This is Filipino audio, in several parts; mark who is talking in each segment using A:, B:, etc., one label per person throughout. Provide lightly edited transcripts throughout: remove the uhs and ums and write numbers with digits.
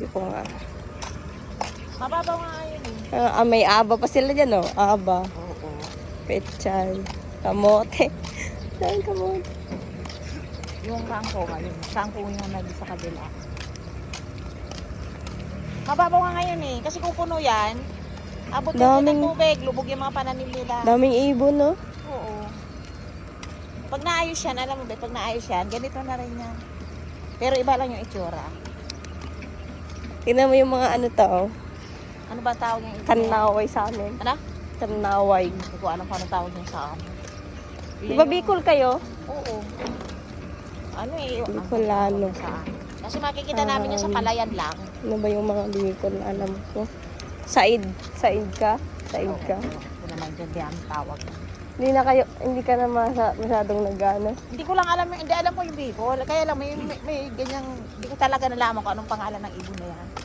A: Hindi ko nga.
B: Mababaw nga yun eh.
A: May aba pa sila dyan, oh. Aba.
B: Oo.
A: Pechay. Kamote. Saan kamote?
B: Yung kangkong, ayun. Kangkong yung nandun sa kabila. Mababaw nga ngayon eh. Kasi kung puno yan, abot din ng tubig. Lubog yung mga pananim nila.
A: Daming ibon, no?
B: Oo. Pag naayos yan, alam mo ba, pag naayos yan, ganito na rin yan. Pero iba lang yung itsura.
A: Tingnan mo yung mga ano to, oh.
B: Ano ba tawag yung itsura?
A: Kanaway sa amin.
B: Ano?
A: Kanaway.
B: Hindi ko alam kung ano tawag yung sa amin.
A: Di ba Bicol kayo?
B: Oo. Ano eh?
A: Bicolano.
B: Kasi makikita namin yung sa palayan lang.
A: Ano ba yung mga Bicol na alam ko? Said. Said ka? Said ka?
B: Ito naman dyan, di ang tawag.
A: Hindi ka na masyadong nag-ano.
B: Hindi ko lang alam, hindi alam ko yung Bicol. Kaya lang may ganyang, hindi ko talaga nalaman kung anong pangalan ng ibon na yan.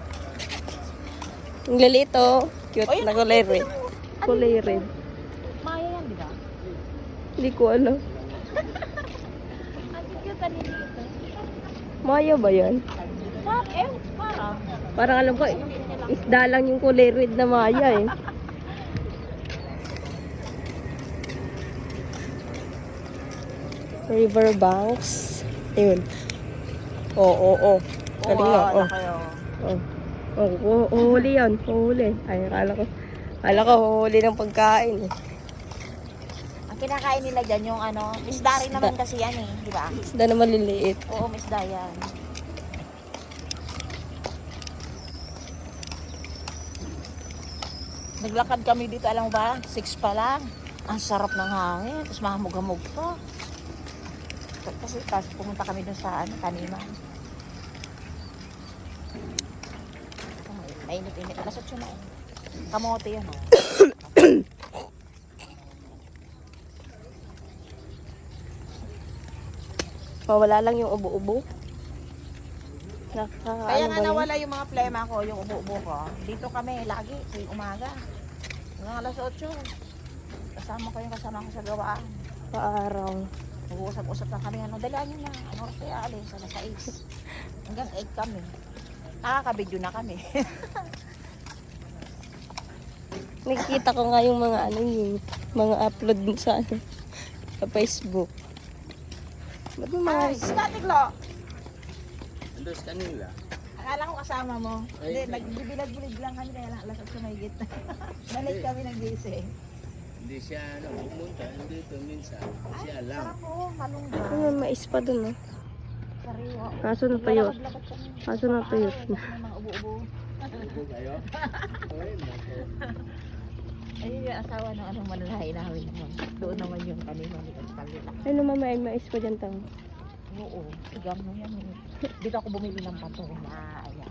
A: Ang lalito. Cute
B: Oh, yun,
A: na kulay red.
B: Ano
A: Kulay
B: yun?
A: red.
B: Maya yan, di ba?
A: Hindi ko alam.
B: Ang cute na nito.
A: Maya ba yan?
B: Parang.
A: Parang alam ko, isda lang yung kulay red na maya eh. Riverbanks. Ayun. Oo. Galing nga.
B: Oo, kayo.
A: Uhuli yan. Uhuli. Ay, akala ko uhuli ng pagkain eh.
B: Ang kinakain nila dyan yung ano, misda rin naman kasi yan eh, di ba?
A: Isda na maliliit.
B: Oo, misda yan. Naglakad kami dito, alam mo ba? 6 pa lang. Ang sarap ng hangin. Tapos mahamog-hamog pa. Kasi pumunta kami dun sa taniman. Mainit-init. Alas 8 na eh. Kamote yan oh.
A: Mawala lang yung ubo-ubo.
B: Kaya nga nawala yung mga plema ko, yung ubo-ubo ko. Dito kami lagi, sa umaga. Hanggang alas 8. Kasama ko sa gawaan.
A: Paaraw.
B: Mag-uusap-usap na kami, dalaan nyo na. Ano oras kaya alis? Alas 6. Hanggang 8 kami. Nakaka-video na kami.
A: Nakikita ko nga yung mga yung mga upload mo sa sa Facebook. Ba't mo mga...
B: Ay, statiklo!
C: Andres kanila.
B: Akala ko kasama mo. Hindi, nagbibilag-bilag lang kami kaya lang alas 8 may gitna. Nalit kami nag-gising.
C: Hindi siya pumunta, dito minsan. Siya lang.
B: Sarap po, malunggay.
A: Ano, mais pa dun oh.
B: Sariwa.
A: Kaso natuyot.
B: Lalakad-lakad kami.
A: Kaso natuyot na.
B: May mga ubo-ubo.
C: Upo kayo?
B: Ayun yung asawa ng anong manalahi namin naman. Doon naman yung kanina likod kanila.
A: Ano may mais pa dyan tang?
B: Oo, sigam mo yan. Dito ako bumili ng pato na ayan.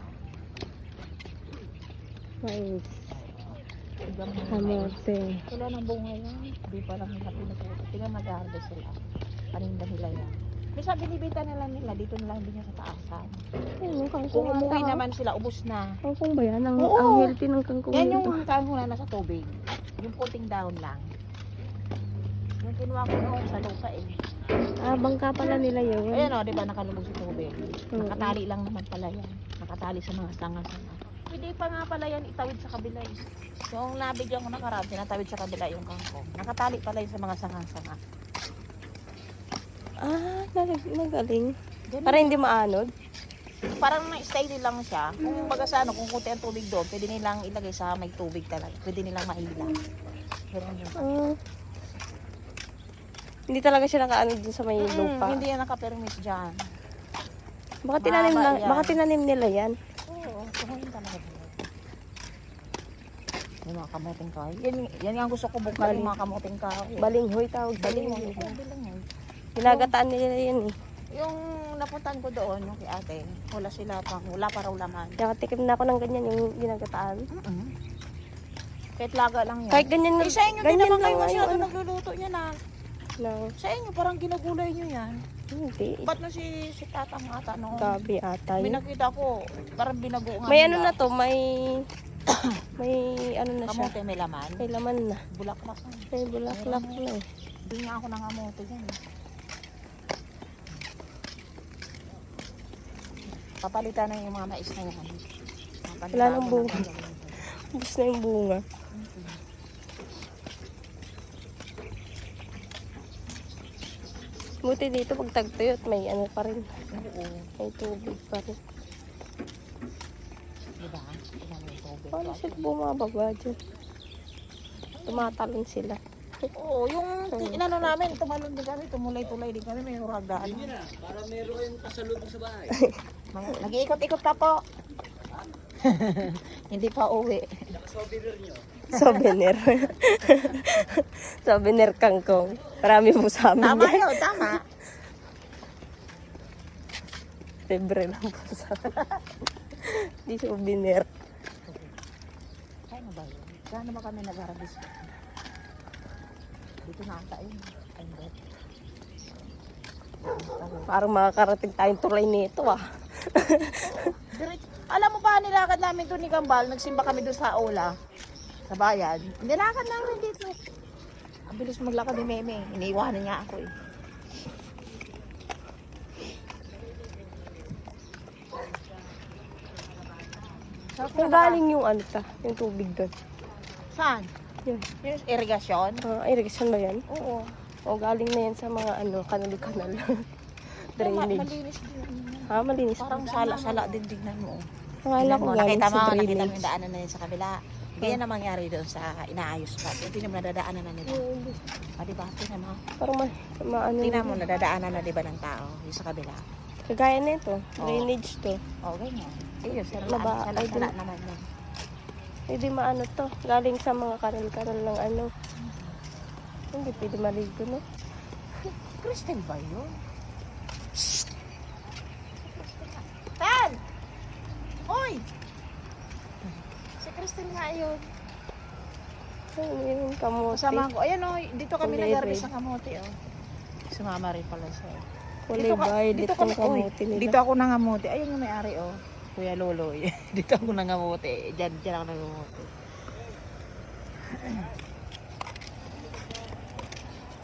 A: Mais.
B: Sigam mo yan.
A: Kamote.
B: Wala ng bunga yan. Di pa lang nila pinututo. Tingnan mag-harvest sila. Paninda nila yan. Bisa binibita nila dito na lang din yan sa taasan.
A: Ayun, kangkong
B: Kung umuwi
A: ata,
B: naman sila, ubos na.
A: Kangkong ba yan? Ang
B: Oo.
A: healthy ng kangkong
B: Yan
A: nito.
B: yung kangkong na nasa tubig. Yung puting down lang. Yung kinuha ko noon sa lupa eh.
A: Bangka pala nila yun.
B: Ayan o, di ba nakalubog sa tubig.
A: Oo.
B: Nakatali lang naman pala yan. Nakatali sa mga sanga-sanga. Pwede pa nga pala yan itawid sa kabila eh. Yung nabigyan ko nakaraan, tinatawid sa kabila yung kangkong. Nakatali pala yun sa mga sanga-sanga.
A: Nagaling.
B: Ganun.
A: Para hindi maanod.
B: Parang na-style lang siya. Kung baga sa ano, kung kunti ang tubig doon, pwede nilang ilagay sa may tubig talaga. Pwede nilang maila. Ganun yun.
A: Hindi talaga siya nakaanod dun sa may lupa.
B: Hindi yan nakapermis dyan.
A: Baka tinanim nila yan.
B: Oo, tumuhin talaga doon. Yung mga kamuting kahoy. Yan ang gusto ko bukal, yung mga kamuting kahoy.
A: Balinghoy tawag.
B: Balinghoy.
A: Ginagataan nila yan eh.
B: Yung napuntan ko doon, yung kay ate, wala pa raw laman.
A: Nakatikim na ako ng ganyan yung ginagataan.
B: Kahit laga lang yan.
A: Kahit ganyan
B: Eh, sa inyo din
A: ganyan
B: naman kayo
A: lang nga
B: masyado
A: yung ano.
B: nagluluto niya na.
A: No,
B: Sa inyo, parang ginagulay nyo yan.
A: hindi.
B: Ba't na si tatang ata noon?
A: Gabi ata
B: May
A: yun.
B: nakita ko, parang binago nga
A: May
B: nila.
A: ano na to, may ano na siya.
B: Kamote may laman.
A: May laman na.
B: Bulaklak na.
A: May bulaklak na eh.
B: Doon nga ako ng kamote dyan. Papalitan na yung mga mais na yan. Papalitan
A: Wala nang
B: ko
A: bunga.
B: ng gagawin.
A: Ubus na yung bunga. Buti dito pag tagtuyot, may ano pa rin.
B: Oo.
A: May tubig pa rin.
B: Diba? Ilan yung tubig.
A: Paano sila bumababa dyan? Tumatalon sila.
B: Oo, yung inano namin, tumalon din kami, tumulay-tulay din kami, may huragaan.
C: Yun na, para meron kayong kasalubong sa bahay.
B: Nag-iikot-ikot ka po. Hindi pa uwi.
C: Souvenir nyo.
A: Souvenir. Souvenir kangkong. Marami po sa amin
B: Tama
A: yan.
B: yun, tama.
A: Libre lang po sa Di souvenir.
B: Kaya na ba yun? Saan naman kami nag-arabis? Dito na ata yun. Ay, hindi.
A: Parang makakarating tayong tulay nito ah.
B: Alam mo ba, nilakad namin to ni Kambal, nagsimba kami doon sa Ola, sa bayan. Nilakad namin dito. Ang bilis maglakad ni Meme. Iniiwanan niya ako eh.
A: Yung galing yung ano ta, yung tubig doon.
B: Saan?
A: Yun.
B: Yung irigasyon?
A: Irrigation ba yan?
B: Oo.
A: O galing na yan sa mga ano, kanal-kanal. Drainage.
B: Malinis din.
A: Ha, malinis.
B: Parang sala-sala din tignan mo.
A: Akala ko galing
B: Nakita
A: sa
B: mo yung
A: drainage.
B: daanan na yun sa kabila. Ganyan na mangyari doon sa inaayos pa. Tingnan mo, nadadaanan na nila. Ah, diba? Tingnan mo.
A: Parang maano.
B: Tingnan mo, nadadaanan na diba ng tao yung sa kabila.
A: Kagaya na ito. Drainage to.
B: Oh, ganyan. Ayun,
A: Laba, ay,
B: sala naman yun.
A: Hindi maano to. Galing sa mga kanal-kanal ng ano. Hindi pwede maligo, no?
B: Crystal ba yun? Tan! Hoy! Si Crystal nga yun.
A: Ay, yun, kamote.
B: Kasama ko. Ayan o, dito kami
A: Kulay
B: nag-arabis
A: red.
B: sa kamote o. Sumama rin pala siya.
A: Kulay violet yung kamote nila.
B: Dito ako nangamote. Ayun yung may-ari o. Kuya Lolo. Dito ako nangamote. Diyan ako nangamote.